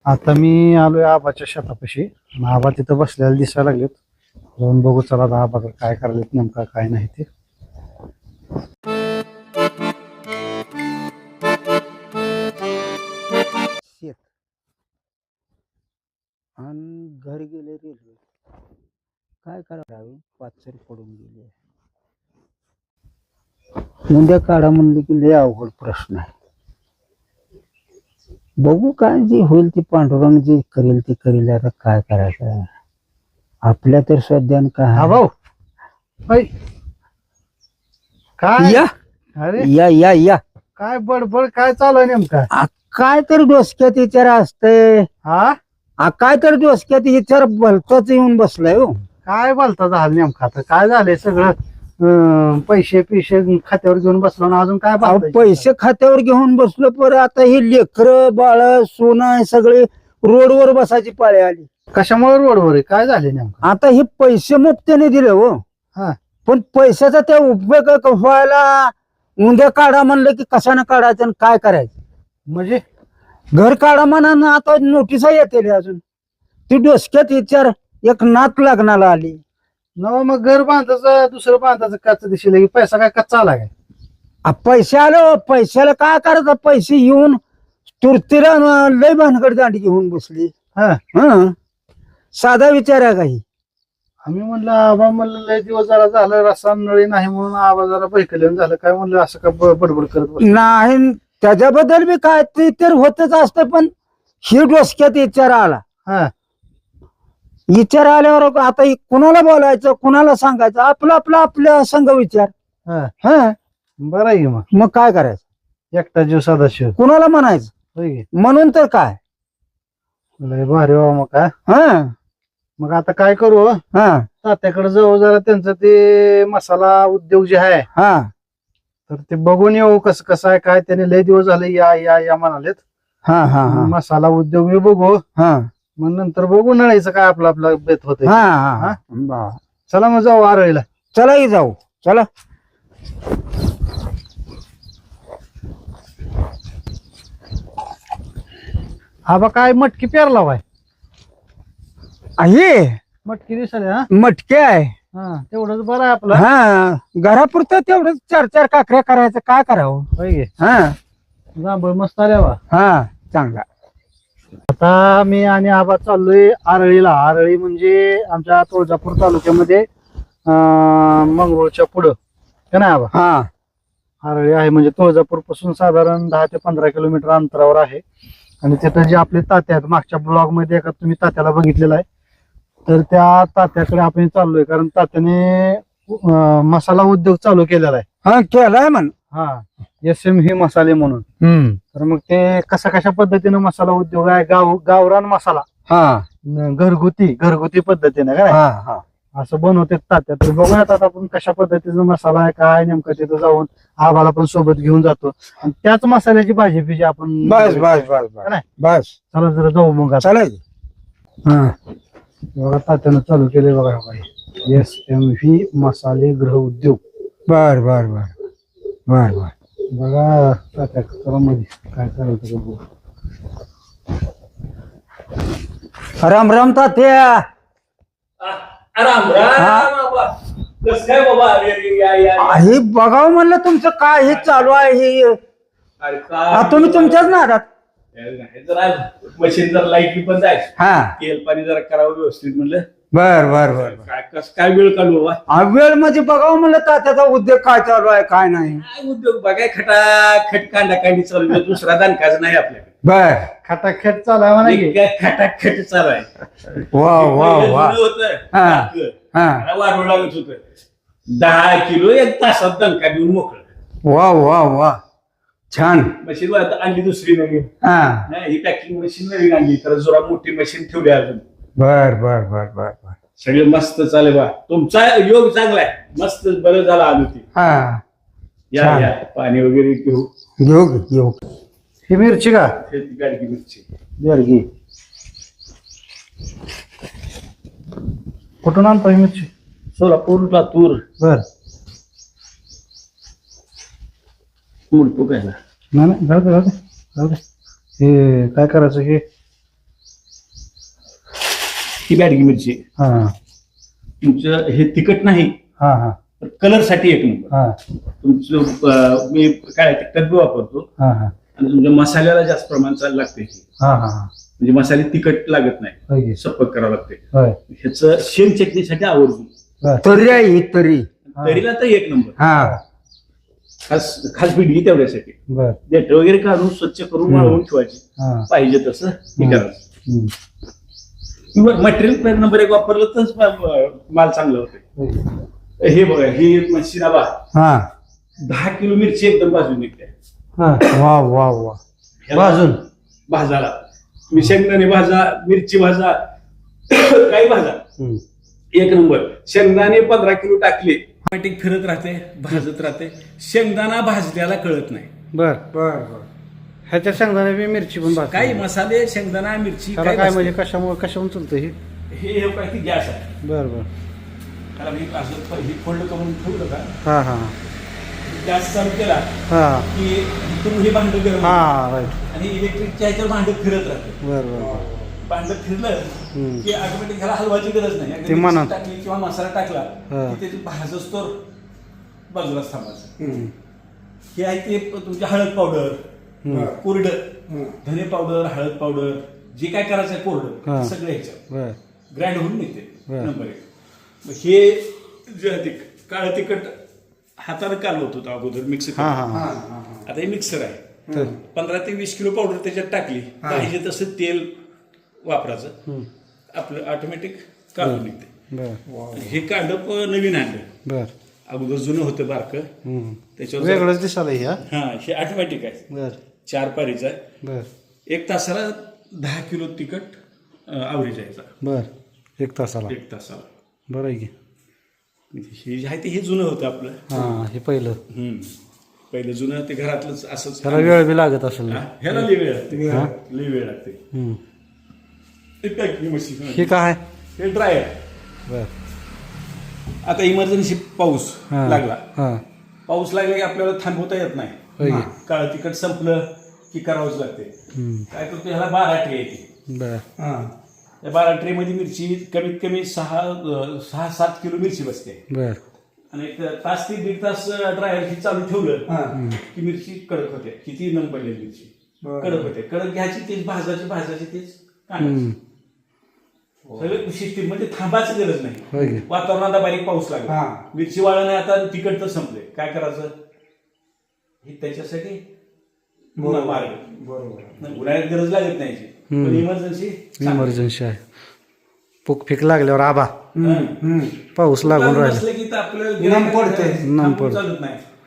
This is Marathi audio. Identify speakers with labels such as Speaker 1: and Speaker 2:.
Speaker 1: आता मी आलोय आबाच्या शेतापाशी आणि आबा तिथं बसलेला दिसायला लागलेत. जाऊन बघू चला आता आबा काय करायलेत नेमका काय नाही ते. शेत आणि घरी गेले रेल्वे काय करावे पाचशे पडून गेले. मुंड्या काढा म्हणले की लय अवघड प्रश्न आहे. बघू काय जे होईल ते पांडुरंग जे करेल ते करेल. आता काय करायचं आपल्या तर सध्या काय भाऊ काय
Speaker 2: या
Speaker 1: अरे
Speaker 2: या या या
Speaker 1: काय बडबड काय चालू आहे नेमका.
Speaker 2: काय तर डोसक्यात विचार असतंय. काय तर डोसक्यात विचार भलताच येऊन बसलाय हो.
Speaker 1: काय बोलता झालं नेमका आता काय झालंय सगळं. पैसे खात्यावर घेऊन बसलो ना अजून काय
Speaker 2: पैसे खात्यावर घेऊन बसलो पर आता हे लेकर बाळ सोनं सगळे रोडवर बसायची पाळी आली.
Speaker 1: कशामुळे रोडवर आहे काय झाले नेमकं.
Speaker 2: आता हे पैसे मुक्त्याने दिले हो. पण पैशाचा त्या उपयोग व्हायला उद्या काढा म्हणलं की कशाने काढायचं आणि काय करायचं.
Speaker 1: म्हणजे
Speaker 2: घर काढा म्हणा आता नोटिसा येते अजून ती डोसक्यात विचार एक नात लग्नाला आली.
Speaker 1: न मग घर बांधायचं दुसरं बांधायचं कच्चा दिशेला पैसा काय कच्चा आला काय.
Speaker 2: पैसे आलो पैशाला काय करायचं. पैसे येऊन तुरतीला लय भानगड दांडी घेऊन बसली. साधा विचार आहे काही.
Speaker 1: आम्ही म्हणलं आबा म्हणलं लय दिवस जरा झालं रस्ता नळी नाही म्हणून आबा जरा बैकल्यान झालं काय म्हणलं असं का बडबड करत
Speaker 2: नाही. त्याच्याबद्दल बी काय ते तर होतच असतं पण ही डोसक्यात विचार आला. विचार आल्यावर आता कुणाला बोलायचं कुणाला सांगायचं आपलं आपलं आपल्या संघ विचार.
Speaker 1: बरं आहे
Speaker 2: मग काय करायचं.
Speaker 1: एकटा जीव सदाशिव
Speaker 2: कुणाला म्हणायचं म्हणून तर काय
Speaker 1: लय भारी बाबा. मग काय मग आता काय करू तात्याकडे जाऊ जरा त्यांचं ते मसाला उद्योग जे आहे तर ते बघून येऊ कसं कसं आहे काय. त्याने लय दिवस झाले या या या म्हणालेत. मसाला उद्योग मी बघू मग नंतर बघू नळायचं काय आपलं आपलं बेत होत. चला मग जाऊ आरळीला.
Speaker 2: चला जाऊ चला.
Speaker 1: आबा काय मटकी पेरला बाय.
Speaker 2: आहे
Speaker 1: मटकी दिसायला
Speaker 2: मटके आहे.
Speaker 1: तेवढंच बरं आहे आपलं.
Speaker 2: घरापुरतं तेवढंच 4-4 काकऱ्या करायचं काय करावं.
Speaker 1: जांभळ मस्त आल्या बा.
Speaker 2: चांगला.
Speaker 1: आता मी आणि आबा चाललोय आरळीला. आरळी म्हणजे आमच्या तुळजापूर तालुक्यामध्ये मंगरुळच्या पुढं का नाही आबा. आरळी आहे म्हणजे तुळजापूर पासून साधारण 10 ते 15 किलोमीटर अंतरावर आहे. आणि तिथं जे आपले तात्या आहेत मागच्या ब्लॉग मध्ये एका तुम्ही तात्याला बघितलेला आहे तर त्या तात्याकडे आपण चाललोय कारण तात्याने मसाला उद्योग चालू केलेला आहे.
Speaker 2: केलाय म्हण.
Speaker 1: SMV मसाले म्हणून. तर मग ते कशा पद्धतीनं मसाला उद्योग आहे गावरान मसाला घरगुती पद्धतीने काय असं बनवते तात्या. तर बघूयात आता आपण कशा पद्धतीचा मसाला आहे काय नेमकं तिथं जाऊन आबाला पण सोबत घेऊन जातो आणि त्याच मसाल्याची भाजी पिजी आपण
Speaker 2: बस
Speaker 1: चला जरा जाऊ मग
Speaker 2: चालेल.
Speaker 1: बघा तात्यानं चालू केले बघा SMV मसाले गृह उद्योग.
Speaker 2: बर बर बर बर बर.
Speaker 1: बघा तात्या मध्ये काय करायचं बघू.
Speaker 2: राम राम तात्या.
Speaker 3: राम राम बाबा. कस काय बाबा.
Speaker 2: हे बघावं म्हणलं तुमचं काय हे चालू आहे हे. तुम्ही तुमच्याच नादात.
Speaker 3: जरा मशीन जरा लाईट पण जायचं तेल पाणी जरा करावं व्यवस्थित म्हणलं.
Speaker 2: बर बर बर.
Speaker 3: काय कस काय वेळ काढू बाबा.
Speaker 2: वेळ म्हणजे बघावं म्हणलं तात्याचा उद्योग काय चालू आहे काय नाही.
Speaker 3: काय उद्योग बघाय खटाखट कांदा चालू दुसरा दानकाच नाही आपल्याकडे.
Speaker 2: बर
Speaker 1: खटाखट चालू आहे म्हणा.
Speaker 3: खटाखट चालू आहे.
Speaker 2: वा वा वा.
Speaker 3: वाढवू लागत होत 10 किलो 1 तासात दणका देऊन मोकळं.
Speaker 2: वा वा वा छान.
Speaker 3: मशीन आणली दुसरी नवीन. ही पॅकिंग मशीन नवीन आणली तर जरा मोठी मशीन ठेवली अजून.
Speaker 2: बर बर बर बर बर.
Speaker 3: सगळे मस्त चालेल बा. तुमचा योग चांगला आहे. मस्त बरं झालं आलो ती. या पाणी वगैरे
Speaker 2: घेऊ.
Speaker 1: ही मिरची का
Speaker 3: गाडगी मिरची
Speaker 1: बेरगी कुठून आणतो ही मिरची.
Speaker 3: सोलापूर लातूर.
Speaker 1: बर
Speaker 3: मुलपू काय
Speaker 1: नाही जाऊ दे हे काय करायचं हे
Speaker 3: ही बॅडगी मिरची
Speaker 1: हा
Speaker 3: तुमचं हे तिखट नाही
Speaker 1: हा हा
Speaker 3: कलर साठी एक नंबर
Speaker 1: हा
Speaker 3: तुमचं मी काय तिखट बी वापरतो
Speaker 1: हा हा
Speaker 3: आणि तुमच्या मसाल्याला जास्त प्रमाण चाल लागते
Speaker 1: हा हा
Speaker 3: म्हणजे मसाले तिखट लागत नाही
Speaker 1: होय
Speaker 3: सपक करावं लागते
Speaker 1: होय
Speaker 3: ह्याचं शेंग चटणीसाठी आवडतो
Speaker 1: बर
Speaker 2: तरी आहे ही तरी
Speaker 3: तरीला तर एक नंबर
Speaker 2: हा
Speaker 3: खास खास पिढी तेवढ्यासाठी
Speaker 1: बर
Speaker 3: देठ वगैरे काढून स्वच्छ करून वाळवून ठेवायची
Speaker 1: हा
Speaker 3: पाहिजे तसं हे करायचं
Speaker 1: हम्म.
Speaker 3: मटेरियल नंबर एक वापरलं तर माल चांगला होते
Speaker 1: होय.
Speaker 3: हे बघा ही मशिनाबा
Speaker 2: हा
Speaker 3: 10 किलो मिरची एकदम भाजून निघते
Speaker 1: हा
Speaker 2: वा वा वा
Speaker 1: भाजून
Speaker 3: भाजाला तुम्ही शेंगदाणे भाजा मिरची भाजा काही भाजा
Speaker 1: हम्म.
Speaker 3: एक नंबर शेंगदाणे 15 किलो टाकले ऑटोमॅटिक फिरत राहते भाजत राहते शेंगदाणा भाजल्याला कळत नाही
Speaker 1: बर बर ह्याच्या शेंगदाणे बी मिरची पण भाजतो.
Speaker 3: काही मसाले शेंगदाणा मिरची
Speaker 1: त्याला काय म्हणजे कशामुळे चलतं हे
Speaker 3: हे काय की गॅस आहे
Speaker 1: बर बर
Speaker 3: त्याला मी असं हे फोल्ड करून ठेवलं का
Speaker 1: हा हा
Speaker 3: गॅस चालू केला
Speaker 1: हा
Speaker 3: की इथून हे भांड गरम
Speaker 1: हा
Speaker 3: होतं.
Speaker 1: राईट
Speaker 3: आणि इलेक्ट्रिकच्या ह्याच्यावर भांड फिरत राहते
Speaker 1: बर बर
Speaker 3: भांड फिरलं
Speaker 1: हम्म.
Speaker 3: की ऑटोमॅटिक ह्याला हलवायची गरज नाही
Speaker 1: ते
Speaker 3: अगदी
Speaker 1: म्हणा.
Speaker 3: मिरची टाकली किंवा मसाला टाकला
Speaker 1: हा.
Speaker 3: की ते भाजच तर बाजूलाच थांबायचं
Speaker 1: हम्म.
Speaker 3: हे आहे ते तुमची हळद पावडर
Speaker 1: हम्म.
Speaker 3: कोरडं धने पावडर हळद पावडर जे काय करायचं आहे
Speaker 1: हा.
Speaker 3: कोरडं सगळं ह्याच्यात
Speaker 1: बर
Speaker 3: ग्रँड होऊन निघते
Speaker 1: बरं.
Speaker 3: नंबर एक मग हे जे आहे ते काळं तिखट हाताने काढलं होतं अगोदर मिक्स
Speaker 1: हा हा हा
Speaker 3: आता हे मिक्सर आहे
Speaker 1: तर
Speaker 3: 15 ते 20 किलो पावडर त्याच्यात टाकली पाहिजे तसं तेल वापरायचं
Speaker 1: हम्म.
Speaker 3: आपलं ऑटोमॅटिक काढून निघते
Speaker 1: बर
Speaker 3: हे कांडप नवीन आणलं
Speaker 1: बर
Speaker 3: अगोदर जुनं होतं बारकं
Speaker 1: हम्म.
Speaker 3: त्याच्यावर
Speaker 1: वेगळंच दिसायला हे, हा
Speaker 3: हा हे ऑटोमॅटिक आहे
Speaker 1: बर
Speaker 3: 4 पारीचं आहे
Speaker 1: बर
Speaker 3: 1 तासाला 10 किलो तिखट आवरेज यायचा
Speaker 1: बर 1 तासाला
Speaker 3: 1 तासाला
Speaker 1: बरं आहे की
Speaker 3: हे जे आहे ते हे जुनं होतं आपलं
Speaker 1: हा हे पहिलं
Speaker 3: पहिलं जुनं ते घरातलंच असंच
Speaker 1: त्याला वेळ बी लागत असेल
Speaker 3: हा, ह्याला लई वेळ लागते लई वेळ लागते
Speaker 1: हम्म.
Speaker 3: हे पॅकिंग मशीन
Speaker 1: हे काय
Speaker 3: हे ड्रायर
Speaker 1: बर
Speaker 3: आता इमर्जन्सी पाऊस
Speaker 1: हा.
Speaker 3: लागला
Speaker 1: हा
Speaker 3: पाऊस लागला की आपल्याला थांबवता येत
Speaker 1: होय
Speaker 3: नाही
Speaker 1: की?
Speaker 3: काळं तिखट संपलं की करावंच लागते
Speaker 1: हम्म.
Speaker 3: काय करतो ह्याला 12 ट्रे येते
Speaker 1: बर
Speaker 3: त्या 12 ट्रे मध्ये मिरची कमीत कमी 6-7 किलो मिरची बसते
Speaker 1: बर
Speaker 3: आणि एक तास ते 1.5 तास ड्रायर ही चालू ठेवलं की मिरची कडक होते किती नम पडलेली मिरची कडक होते कडक घ्यायची तेच भाजायची तेच काढायची सगळं सिस्टीम म्हणजे थांबायची गरज
Speaker 1: होय
Speaker 3: नाही
Speaker 1: की?
Speaker 3: वातावरणात बारीक पाऊस लागला मिरची वाळलं नाही आता तिखट तर संपले काय करायचं हे त्याच्यासाठी मार्ग उन्हाळ्यात गरज लागत नाही याची. पण इमर्जन्सी
Speaker 1: इमर्जन्सी आहे पुक फिक लागल्यावर आबा पाऊस लागून राहिला
Speaker 3: नसलं की तर आपलं
Speaker 2: नम पडते.
Speaker 1: नम पडते.
Speaker 3: चालत नाही